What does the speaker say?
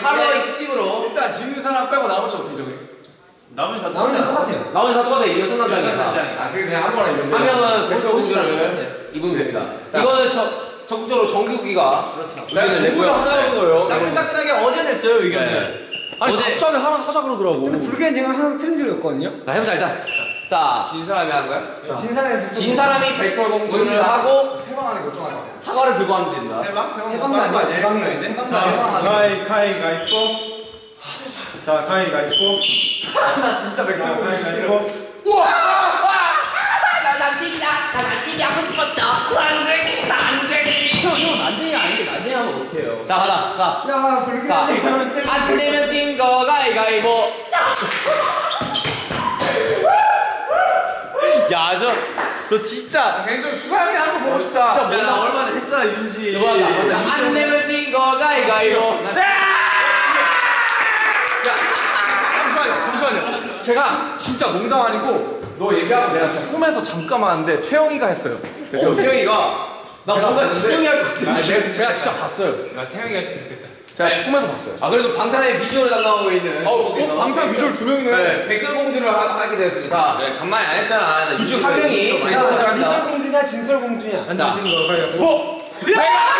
할로윈 특집으로 일단 지는 사람 빼고 나머지 어떻게 정해? 나머지 다 똑같아요. 나머지 다 똑같아. 이거 손난장이야. 아 그냥 한 번에 이런 한 명은 백설공주를 입으면 됩니다. 이거는 적극적으로 정규기가 의견을 내고요. 하자는 거예요. 따끈따끈하게 어제 냈어요 의견을. 네. 아니 어제- 갑자기 하자 그러더라고. 근데 불교는 제가 항상 틀린 적이 없거든요. 자, 해보자 일단. 자, 진 사람이 한 거야? 진 사람이 진 사람이 백설공주를 하고 세방 안에 걱정하지 마. 사과를 들고 하면 된다. 세방? 세방도 아니야. 제방이야. 자, 가위가위보. 자, 가위가위보. 나 진짜 백설공주 싫어. 가위가위보. 나 난쟁이다. 나 난쟁이 하고 싶었다. 난쟁이, 난쟁이. 형 난쟁이 아닌데 난쟁이 하면 어떡해요? 자, 가자. 자, 야, 불교는 자, 이거는 틀린 안 되면 진 거 가위가위보. 야, 저 진짜 개인적으로 슈가형이 하는 거 보고 싶다. 진짜 몰라. 얼마나 했잖아, 윤지. 안 되면 진 거 가위가위보. 잠시만요. 제가 진짜 농담 아니고 너 얘기하고 내가 진짜 꿈에서 잠깐만 왔는데 태영이가 했어요. 태영이가 나 뭔가 진영이 할 것 같아. 제가 진짜 봤어요. 나 태영이가 했으면 좋겠다. 제가 꿈에서 봤어요. 아 그래도 방탄의 비주얼을 담당하고 있는 방탄 비주얼 두 명이네. 네, 백설공주를 하게 되었습니다. 네, 간만에 안 했잖아. 둘 중 한 명이 야, 백설공주를 합니다. 미설공주냐 진설공주냐. 앉으시는 거 가위가위보. 뭐? 야!